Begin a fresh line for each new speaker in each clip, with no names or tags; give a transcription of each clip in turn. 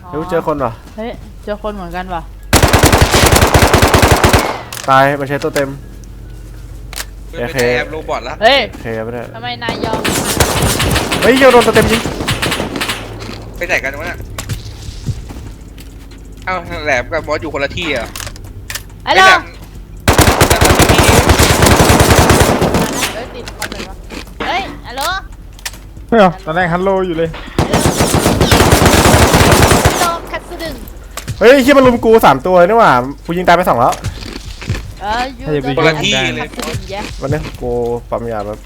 เฮ้ยเจอคนเหรอ
เฮ้ยเจอคนเหมือนกันว่ะ
ตายมันใช้ตัวเต็ม
โอเคแอบโรบอทแล้ว
เฮ้ย
โอเคไม่ได้
ทำไมนายยอม
เฮ้ยเกี่ยวโดนตัวเต็มยิง
ไปไหนกันวะเนี่ยเอ้าแหลมกับบอสอยู่คนละที่อ่ะ
ไอ้เราติดคอมเลยวะเฮ้ยฮัลโหล
เฮ้ยตอนแรกฮัลโหลอยู่เลย
ฮัลโหลคัตสึดึง
เฮ้ยเฮียมันลุมกู3 ตัวนี่หว่ากูยิงตายไป2แล้ว
อยู่
คนละที่เลย
วันนี้กูปั๊มยาแบบ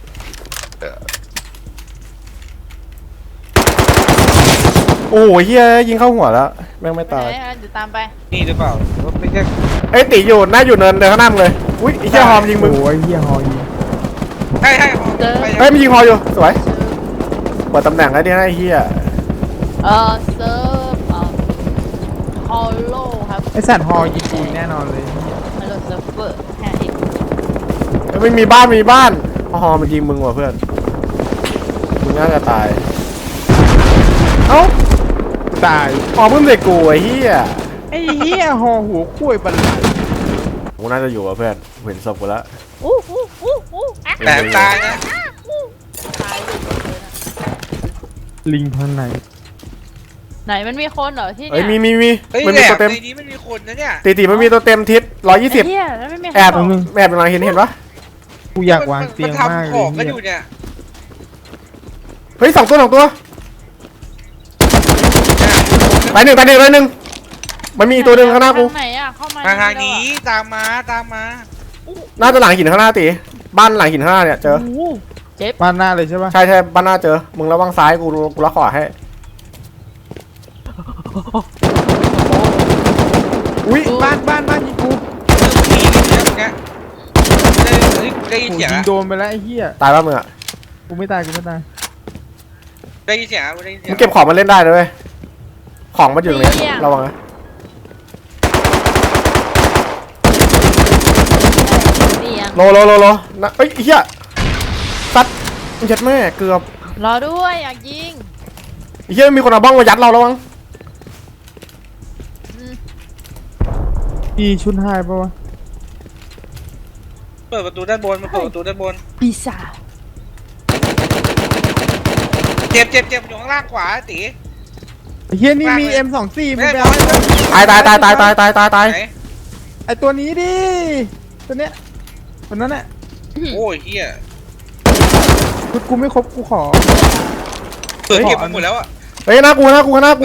โอ้ยเฮียยิงเข้าหัวแล้วแม่งไม่ตาย
เดี๋ยวตามไป
นี่หรือเปล่าไม่ใช่
ไอ้ตีอยู่หน้าอยู่เนินเดินข้างหน้ามึงเลยอุ้ยไอ้เฮียฮอมยิงมึง
โอ้ยเฮียฮอยิง
ใช่
เฮ้ยมันยิงฮออยู่สวยเปิดตำแหน่งไอ้ที่ให้เฮีย
เซิร์ฟฮอลโลครับ
ไอสัตว์ฮอยิงกูแน่นอนเลย
ฮัลโหลเซิร์ฟเวอร์แฮร์อีก
ไม่มีบ้านฮอมันยิงมึงว่ะเพื่อนมึงน่าจะตายเอ้า
ตาย
ฮอเพิ่มเด็กกูไอ้เฮีย
ไอ้เฮียฮอหัวคุ้ยบันได
กูน่าจะอยู่กับเพื่อนเห็นศพกูแล้ว
แต่ตายนะ
ตาย
ลิงทางไหน
ไหนมันมีคนเหรอที่
เนี่ยมี
มันมีตัวเต็มในนี้มันมีคนนะเนี่ย
ตีมันมีตัวเต็มทิศ120แอบเป็นไรเห็นปะ
กูอยากวางเตียงมากเลย
เฮ้ย2 ตัวไปหนึ่งมันมีตัวหนึ่งข้างหน้ากู
ไหนอ่ะเข้ามา
ทางนี้ตามมา
น่าจะหลังหินข้างหน้าตีบ้านหลังหินข้างหน้าเนี่ยเจอ
เจ็บ
บ้านหน้าเลยใช่ปะ
ใช่บ้านหน้าเจอมึงระวังซ้ายกูล็อกขวาให้
อุ้ยบ้านยิงกู
ได้ยินเสียง
ยิงโดนไปแล้วไอ้เหี้ย
ตายป่ะมึงอ่ะ
กูไม่ตาย
ได้ยินเสียง
มึงเก็บของมาเล่นได้เลยของมันอยู่ตรงนี้ระวังนะโลนะเฮ้ยเฮียซัดมึงยัดแม่เกือบ
รอด้วยอยากยิง
เฮียมีคนเอาบ้องมายัดเราแล้วมั้ง
อีชุนหายปะวะ
เปิดประตูด้านบนมาเปิดประตูด้านบน
ปีศาจ
เจ็บอยู่ข้างล่างขวาตี
เฮียนี่มี M24มึงไปเอา
ตาย
ไอตัวนี้ดิตัวเนี้ยตัวนั้นแหละ
โอ้ยเฮีย
คือกูไม่ครบกูขอ
เปิดเก็บหมดแล้วอ่ะ
เฮ้ยน่ากูอะไร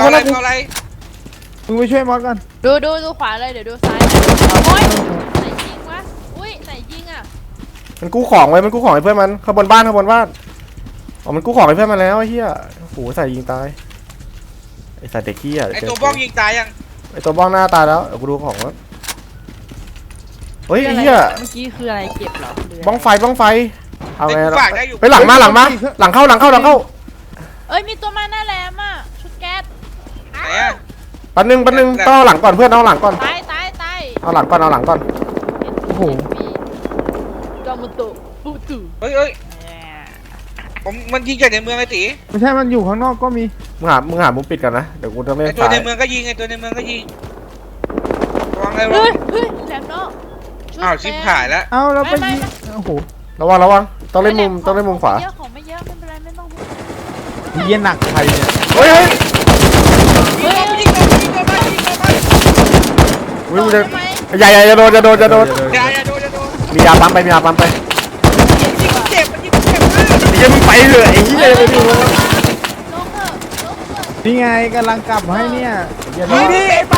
มึงไปช่วยมอสก่อน
ดูขวาเลยเดี๋ยวดูซ้ายโอ้ยไหนยิงวะอุ้ยไหนยิงอ่ะ
มันกู้ของไว้ให้เพื่อนมันข้างบนบ้านอ๋อมันกู้ของให้เพื่อนมันแล้วไอ้เหี้ยโหใส่ยิงตายไอ้ใส่เด็กขี้อ่ะ
ไอ้ตัวบ้องยิงตายยัง
ไอ้ตัวบ้องหน้าตายแล้วเดี๋ยวกูดูของแล้วเฮ้ยไอ้เหี้ย
เมื่อกี้คืออะไรเก็บเหรอ
บ้องไฟเอาไง
ไปหลัง
เข้าหลังเข้า
เอ้ยมีตัวมาหน้าแหลมอ่ะชุดแก๊ส
ไหนอ่ะ
ปันหนึ่งต้องเอาหลังก่อนเพื่อนเอาหลังก่อน
ตาย
เอาหลังก่อน
โอ้โห
กามุโตะปุตุ
เฮ้ยมันยิงจากในเมืองไอ้ตี
ไม่ใช่มันอยู่ข้างนอกก็มี
มึงหามุมปิดกันนะเดี๋ยวกูจะไม่
ตัวในเมืองก็ยิงระวังเลย
แหลมเนาะ
อ้าวชิบหายแล้ว
เอาเราไปยิงโอ้โห
ระวังต้องเล่นมุมขวา
ของไม่เยอะไม่เป็นไรไม่ต้อง
เยี่ยหนักใครเนี่ย
เฮ้ยอย่าโดนมียาปั๊มไป
เจ็บมาก
ยังมึงไปเลยไอ้เหี้ยไปดู
นี่ไงกำลังกลับให้เนี่ย
นี่ไอ้บ้า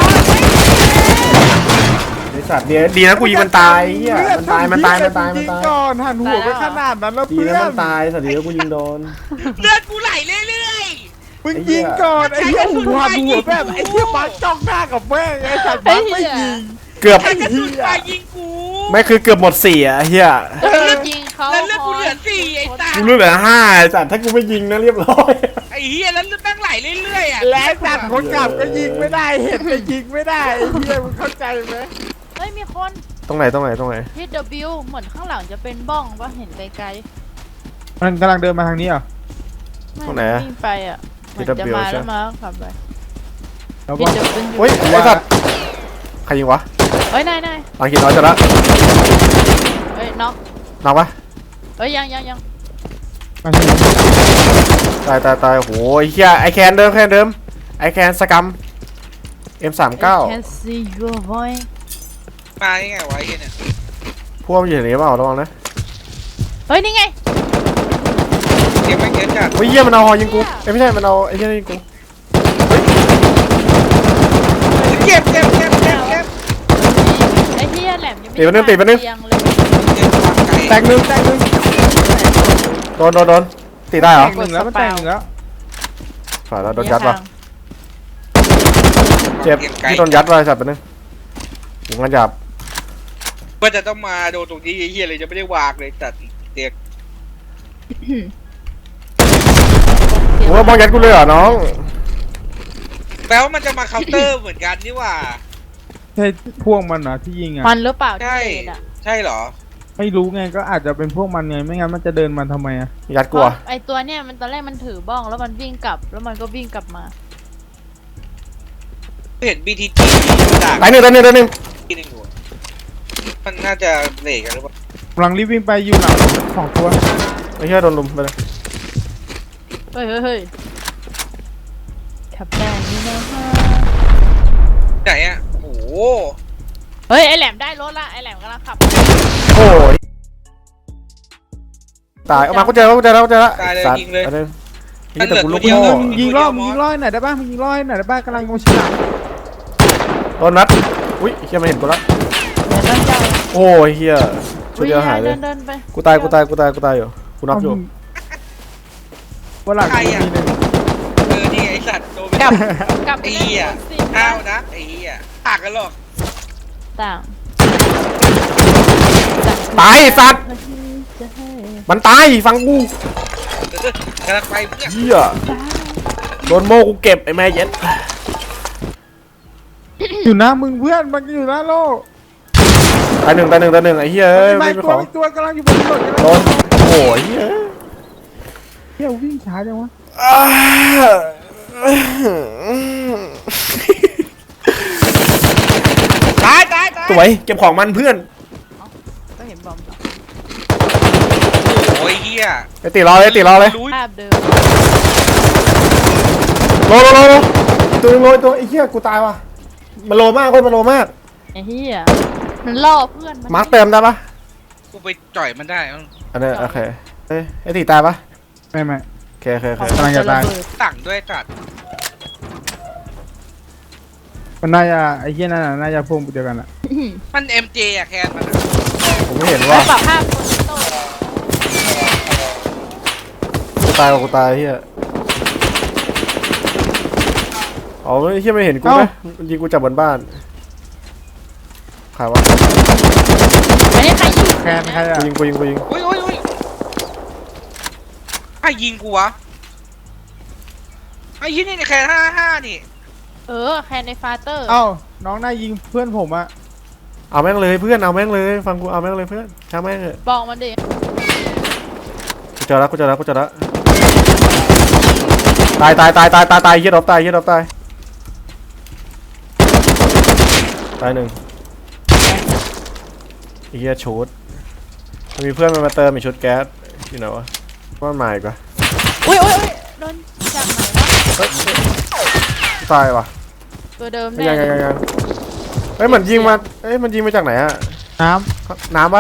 ไอ้สัตว์ดีนะกูยิงมันตายเหี้ยมันตาย
ก่อนหันหัวไปขนาดนั้นแล้วเพื่อน
ดีนะมันตายสัตว์ดีนะกูยิงโดน
เลือดกูไหลเรื่อย
มึงยิงก่อนไอ้เหี้ยหัวแบบไอ้เหี้ยมาจ้องหน้ากับแม่ไอ้สัตว์ไม่ยิง
เกือบ
ยิงกู
ไม่คือเกือบหมด4อ่ะเฮีย
ยิงเขา
แล้วเลือดกูเหลือ4ไอ้ตา
กูเหลือ5สัตว์ถ้ากูไม่ยิงนะเรียบร้อย
ไอ้เฮียแล้วเลือดแม่งไหลเรื่อยๆอ่ะ
แล้วสัตว์คนกลับก็ยิงไม่ได้เห็นก็ยิงไม่ได้ไอ้เฮียมึงเข้าใจไหม
เฮ้ยมีคน
ตรงไหน
ที่ W เหมือนข้างหลังจะเป็นบ้องว่าเห็นไกล
ๆมันกำลังเดินมาทางนี้เหรอ
ตรงไหน
วิ่งไปอ่ะมันจะมาแล้วมาขับไป
แล้ว
พี่
ว่า
เดี๋ยวขึ้นอยู่
เฮ้ยไอ้สัตว์ใครยิงวะ
เฮ้ยนาย
หลังหินน้อยจะละ
เฮ้ยน็อก
น็อกปะ
เฮ้ยยัง
มาที่
ตายโอ้โหไอ้เหี้ยไอแคนเดิมไอแคนสกัม M39
I can see your voice
มาได้ไงวะไอ้เหี้ยเนี่ย
พวกมันอยู่ในนี้เปล่าระวังนะ
เฮ้ยนี่ไง
เก็บไม่เก็บจัด
เฮ้ยเหี้ยมันเอาหอยิงกูเอ้ยไม่ใช่มันเอาไอ้เหี้ยนี่ยิงกู
เก็บ
ไอ้เหี้ยแหลมยังไม่เตียงเลย
แตกหนึ่ง
โดนตีได้เหรอ
แตกหนึ่งแล้วมันแตกหนึ่งแล้ว
ฝ่ายเราโดนยัดวะเจ็บที่โดนยัดวะไอ้สัตว์เป็นนึงหูงันหยาบ
ว่าจะต้องมาโดนตรงนี้ไอ้เหี้ยเลยจะไม่ได้วางเลยจัดเด็ก
โอ้ยมองยัดกูเลยเหรอน้อง
แปลว่ามันจะมาเคาน์เตอร์เหมือนกันนี่หว่า
ใช่พวกมันเหรอที่ยิงอ่ะ
มันหรือเปล่า
ใช่
ที่เลนอะ
ใช่เหรอ
ไม่รู้ไงก็อาจจะเป็นพวกมันไงไม่งั้นมันจะเดินมาทำไมอ่ะ
ยัดกูอะ
ไอตัวเนี้ยมันตอนแรกมันถือบ้องแล้วมันวิ่งกลับแล้วมันก็วิ่งกลับมา
เห็น BTG ด่า
ตายหนึ่ง
ที่หนึ่งอยู่มันน่าจะเหละกันหรือเปล่าก
ำลังรีบวิ่งไปอยู่หลังสองตัว
ไอ้เหี้ยโดนลุมไปเลย
เฮ้ยขับได้นี่นะฮะ
ไหนอ่ะโอ้โห
เฮ้ยไอแหลมได้รถละไอแหลมกำลังขับ
โอ้ยตายเอามากูเจอแล้ว
ตายเลย
สัตว์
ยิงเลย
อันนึง
มันเหลือ
แต่กูลุก
ตัวเดียว
โง่
ยิงร้อยหน่อยได้ป่ะมึงยิงร้อยหน่อยได้ป่ะกำลังโมชิหลัง
โดนนัดอุ้ยเฮียไม่เห็นกูละ
เดี๋ยวนั่นเจ้า
โอ้ยเฮียชุดเดียวหายเลย
เดินไป
กูตายอยู่กูนับอยู่
ว่าหลังมีหนึ่ง
นี่ไอสัตว์โดนไป
กลับไป
ไอ้
เล่น
เหี้ย
สิ
ห้าวนะไอ้เหี้ยต่างกันหรอก
ต่าง
ตายไอ้สัตว์มันตายฟังกู
กำลังไปเพื่อน
เฮียโดนโมกูเก็บไอ้แม่เย็ด
อยู่หน้ามึงเพื่อนมันอยู่หน้าโลก
ตายหนึ่งไอ้เฮียเอ้ย
ไม่
ไม่เป็น
ตัว
ของ
อีกตัวกำลังอยู่บนถนน
โดนโอ้ยเฮีย
เที่ยววิ่งช้าจังวะ
ตาย
สวยเก็บของมันเพื่อน
ก็เห็นบอม
โอ้ยเหี้ย
ไอ้ตีรอเลย
รู้
ภาพเดิม
โลตัวไอ้เหี้ยกูตายว่ะมันโลมากมันโลมาก
ไอ้เหี้ยมันล่อเพื่อนมัน
มาร์คเติมได้ปะ
กูไปจ่อยมันได้
อันนี้โอเคเอ้ยไอ้ตีตายปะ
ไม่
โอเค
กำลังจะตาย
ต่างด้วยจัด
มันน่าจะไอ้เหี้ยนั่นน่าจะพวกเดียวกันอ่ะ
มัน MJ อะแคนมัน
ผมไม่เห็น
แล้ว
ว่า
ปรับภาพคนโต
กูตายเหี้ยอ๋อไอ้เหี้ยไม่เห็นกูนะยิงกูจากบนบ้านใครวะ
อันนี้ใครยิง
แคนใครอ่ะ
กูยิง
อุ้ยไอ้ยิงกูวะไอ้ยี่นี่แคน55นี่
แคนในฟาเตอร์
เอ้าน้องน่ายิงเพื่อนผมอ่ะ
เอาแม่งเลยเพื่อนเอาแม่งเลยฟังกูเอาแม่งเลยเพื่อนช่างแม่งเถอะ
บอกมันดิ
กูเจอแล้วตายเหี้ยดรอปตายหนึ่งไอ้เหี้ยชุดมันมีเพื่อนมันมาเติมอีกชุดแก๊สอยู่ไหนวะว่ามันมาอีกวะ
อุ้ยโดนจากไหนวะ
ตายว่ะ
ตัวเดิม
ยัง
แน่
เฮ้ยมันยิงมามันยิงมาจากไหนอะ
น้
น้ำปะ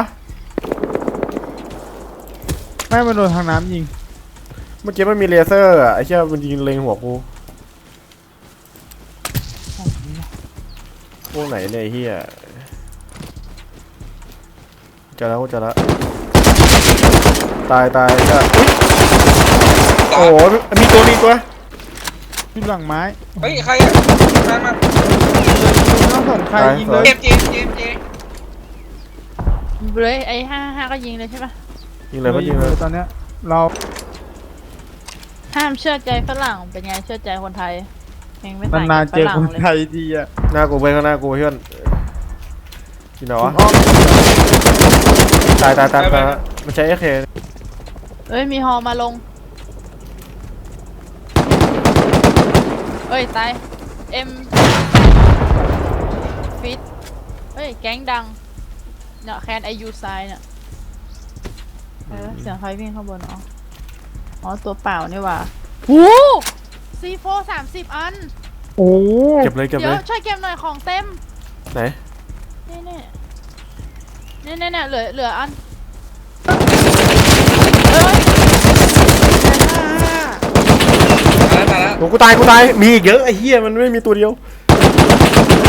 ำไม่มาโดนทางน้ำยิง
เมื่อกี้มันมีเลเซอร์อะไอ้เหี้ยมันยิงเล็งหัวกูพวกไหนเนี่ยไอ้เหี้ยเจอแล้วตายก็โอ้โหมีตัว
ขึ้นหลังไม้
เฮ้ยใครอะมา
ไม่ต้องสนใครยิงเลย
เจม
เลยไอ้55ก็ยิงเลยใช่ปะ
ยิงเลยก็ยิงเลย
ตอนเนี้ยเรา
ห้ามเชื่อใจฝรั่งเป็นไงเชื่อใจคนไทยเองไม่ต่าง
นาน
กับ
ๆเจอ
ฝรั่ง
คน
เลย
ไทยดีอ่ะ
หน้ากูเพื่อนเพื่อนที่ไหนวะ
อ้อม
ตายมันใช้AK
เอ้ยมีฮอมาลงเอ้ยตายเอ็มฟิตเฮ้ยแก๊งดังเนี่ยแคนไอยูไซเนี่ยเสียงใครวิ่งข้างบนอ๋อตัวเปล่านี่หว่าหูC4 30 อัน
โอ้
เก็บเลยเก็บ
เดี๋
เลย
วย ช่วยเก็บหน่อยของเต็ม
ไหน
นี่เหลืออันเอ้ย
ตายแล้ว
โอ้กูตายมีอีกเยอะไอ้เหี้ยมันไม่มีตัวเดียว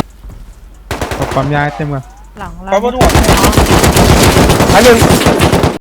ความยายเต็มกัน
หลัง
เขาบนหัว
อันหนึ่ง